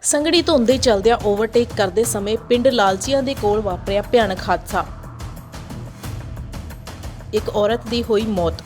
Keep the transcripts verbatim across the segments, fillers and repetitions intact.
ਸੰਘਣੀ ਧੁੰਦ ਦੇ ਚਲਦਿਆਂ ਓਵਰਟੇਕ ਕਰਦੇ ਸਮੇਂ ਪਿੰਡ ਲਾਲਚੀਆਂ ਦੇ ਕੋਲ ਵਾਪਰਿਆ ਭਿਆਨਕ ਹਾਦਸਾ। ਇੱਕ ਔਰਤ ਦੀ ਹੋਈ ਮੌਤ।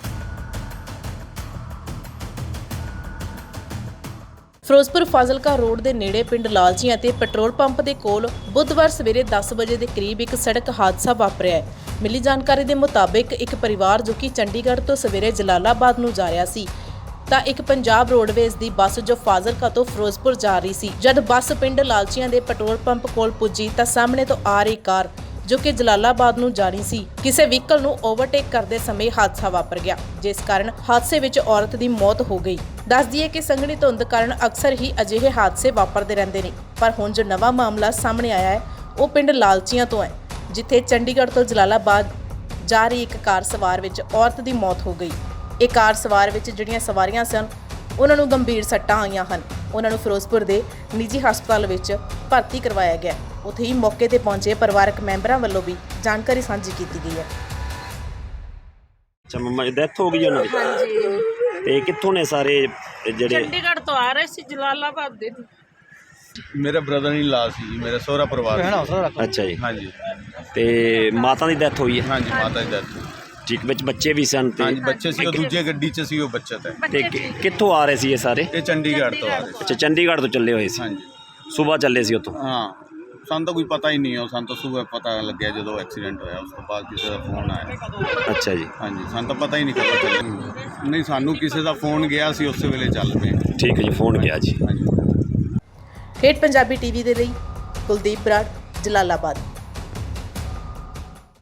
ਫਿਰੋਜ਼ਪੁਰ ਫਾਜ਼ਿਲਕਾ ਰੋਡ ਦੇ ਨੇੜੇ ਪਿੰਡ ਲਾਲਚੀਆਂ ਅਤੇ ਪੈਟਰੋਲ ਪੰਪ ਦੇ ਕੋਲ ਬੁੱਧਵਾਰ ਸਵੇਰੇ ਦਸ ਵਜੇ ਦੇ ਕਰੀਬ ਇੱਕ ਸੜਕ ਹਾਦਸਾ ਵਾਪਰਿਆ ਹੈ। ਮਿਲੀ ਜਾਣਕਾਰੀ ਦੇ ਮੁਤਾਬਿਕ ਇੱਕ ਪਰਿਵਾਰ ਜੋ ਕਿ ਚੰਡੀਗੜ੍ਹ ਤੋਂ ਸਵੇਰੇ ਜਲਾਲਾਬਾਦ ਨੂੰ ਜਾ ਰਿਹਾ ਸੀ ਤਾਂ ਇੱਕ ਪੰਜਾਬ ਰੋਡਵੇਜ਼ ਦੀ ਬੱਸ ਜੋ ਫਾਜ਼ਿਲਕਾ ਤੋਂ ਫਿਰੋਜ਼ਪੁਰ ਜਾ ਰਹੀ ਸੀ। ਜਦ ਬੱਸ ਪਿੰਡ ਲਾਲਚੀਆਂ ਦੇ ਪੈਟਰੋਲ ਪੰਪ ਕੋਲ ਪੁੱਜੀ ਤਾਂ ਸਾਹਮਣੇ ਤੋਂ ਆ ਰਹੀ ਕਾਰ ਜੋ ਕਿ ਜਲਾਲਾਬਾਦ ਨੂੰ ਜਾ ਰਹੀ ਸੀ ਕਿਸੇ ਵਹੀਕਲ ਨੂੰ ਓਵਰਟੇਕ ਕਰਦੇ ਸਮੇਂ ਹਾਦਸਾ ਵਾਪਰ ਗਿਆ, ਜਿਸ ਕਾਰਨ ਹਾਦਸੇ ਵਿੱਚ ਔਰਤ ਦੀ ਮੌਤ ਹੋ ਗਈ। ਦੱਸ ਦਈਏ ਕਿ ਸੰਘਣੀ ਧੁੰਦ ਕਾਰਨ ਅਕਸਰ ਹੀ ਅਜਿਹੇ ਹਾਦਸੇ ਵਾਪਰਦੇ ਰਹਿੰਦੇ ਨੇ, ਪਰ ਹੁਣ ਜੋ ਨਵਾਂ ਮਾਮਲਾ ਸਾਹਮਣੇ ਆਇਆ ਹੈ ਉਹ ਪਿੰਡ ਲਾਲਚੀਆਂ ਤੋਂ ਹੈ, ਜਿੱਥੇ ਚੰਡੀਗੜ੍ਹ ਤੋਂ ਜਲਾਲਾਬਾਦ ਜਾ ਰਹੀ ਇੱਕ ਕਾਰ ਸਵਾਰ ਵਿੱਚ ਔਰਤ ਦੀ ਮੌਤ ਹੋ ਗਈ। ਇਹ ਕਾਰ ਸਵਾਰ ਵਿੱਚ ਜਿਹੜੀਆਂ ਸਵਾਰੀਆਂ ਸਨ ਉਹਨਾਂ ਨੂੰ ਗੰਭੀਰ ਸੱਟਾਂ ਆਈਆਂ ਹਨ। ਉਹਨਾਂ ਨੂੰ ਫਿਰੋਜ਼ਪੁਰ ਦੇ ਨਿੱਜੀ ਹਸਪਤਾਲ ਵਿੱਚ ਭਰਤੀ ਕਰਵਾਇਆ ਗਿਆ। ਉੱਥੇ ਹੀ ਮੌਕੇ ਤੇ ਪਹੁੰਚੇ ਪਰਿਵਾਰਕ ਮੈਂਬਰਾਂ ਵੱਲੋਂ ਵੀ ਜਾਣਕਾਰੀ ਸਾਂਝੀ ਕੀਤੀ ਗਈ ਹੈ। ਅੱਛਾ ਮੰਮਾ ਦੀ ਡੈਥ ਹੋ ਗਈ ਉਹਨਾਂ ਦੀ? ਹਾਂਜੀ। ਤੇ ਕਿੱਥੋਂ ਨੇ ਸਾਰੇ ਜਿਹੜੇ? ਚੰਡੀਗੜ੍ਹ ਤੋਂ ਆ ਰਹੇ ਸੀ ਜਲਾਲਾਬਾਦ ਦੇ। ਮੇਰਾ ਬ੍ਰਦਰ ਇਨ ਲਾ ਸੀ ਜੀ, ਮੇਰਾ ਸਹੁਰਾ ਪਰਿਵਾਰ ਸੀ। ਅੱਛਾ ਜੀ। ਹਾਂਜੀ ਤੇ ਮਾਤਾ ਦੀ ਡੈਥ ਹੋਈ ਹੈ? ਹਾਂਜੀ ਮਾਤਾ ਦੀ ਡੈਥ। ਠੀਕ, ਵਿੱਚ ਬੱਚੇ ਵੀ ਸਨ? ਤੇ ਹਾਂਜੀ ਬੱਚੇ ਸੀ, ਉਹ ਦੂਜੇ ਗੱਡੀ 'ਚ ਸੀ ਉਹ ਬੱਚਾ ਤਾਂ। ਤੇ ਕਿ- ਕਿੱਥੋਂ ਆ ਰਹੇ ਸੀ ਇਹ ਸਾਰੇ? ਇਹ ਚੰਡੀਗੜ੍ਹ ਤੋਂ ਆ ਰਹੇ ਸੀ। ਅੱਛਾ, ਚੰਡੀਗੜ੍ਹ ਤੋਂ ਚੱਲੇ ਹੋਏ ਸੀ? ਹਾਂਜੀ ਸਵੇਰ ਚੱਲੇ ਸੀ ਉੱਥੋਂ? ਹਾਂ, ਸਾਨੂੰ ਤਾਂ ਕੋਈ ਪਤਾ ਹੀ ਨਹੀਂ ਹੈ। ਸਾਨੂੰ ਤਾਂ ਸਵੇਰ ਪਤਾ ਲੱਗਿਆ ਜਦੋਂ ਐਕਸੀਡੈਂਟ ਹੋਇਆ, ਉਸ ਤੋਂ ਬਾਅਦ ਕਿਸੇ ਦਾ ਫੋਨ ਆਇਆ। ਅੱਛਾ ਜੀ। ਹਾਂਜੀ ਸਾਨੂੰ ਤਾਂ ਪਤਾ ਹੀ ਨਹੀਂ ਕਦੋਂ ਚੱਲੇ। ਨਹੀਂ, ਸਾਨੂੰ ਕਿਸੇ ਦਾ ਫੋਨ ਗਿਆ ਸੀ, ਉਸੇ ਵੇਲੇ ਚੱਲ ਪਏ। ਠੀਕ ਹੈ ਜੀ, ਫੋਨ ਗਿਆ ਜੀ। ਹਾਂਜੀ। ਠੇਠ ਪੰਜਾਬੀ ਟੀਵੀ ਦੇ ਲਈ ਕੁਲਦੀਪ ਬਰਾੜ, ਜਲਾਲਾਬਾਦ।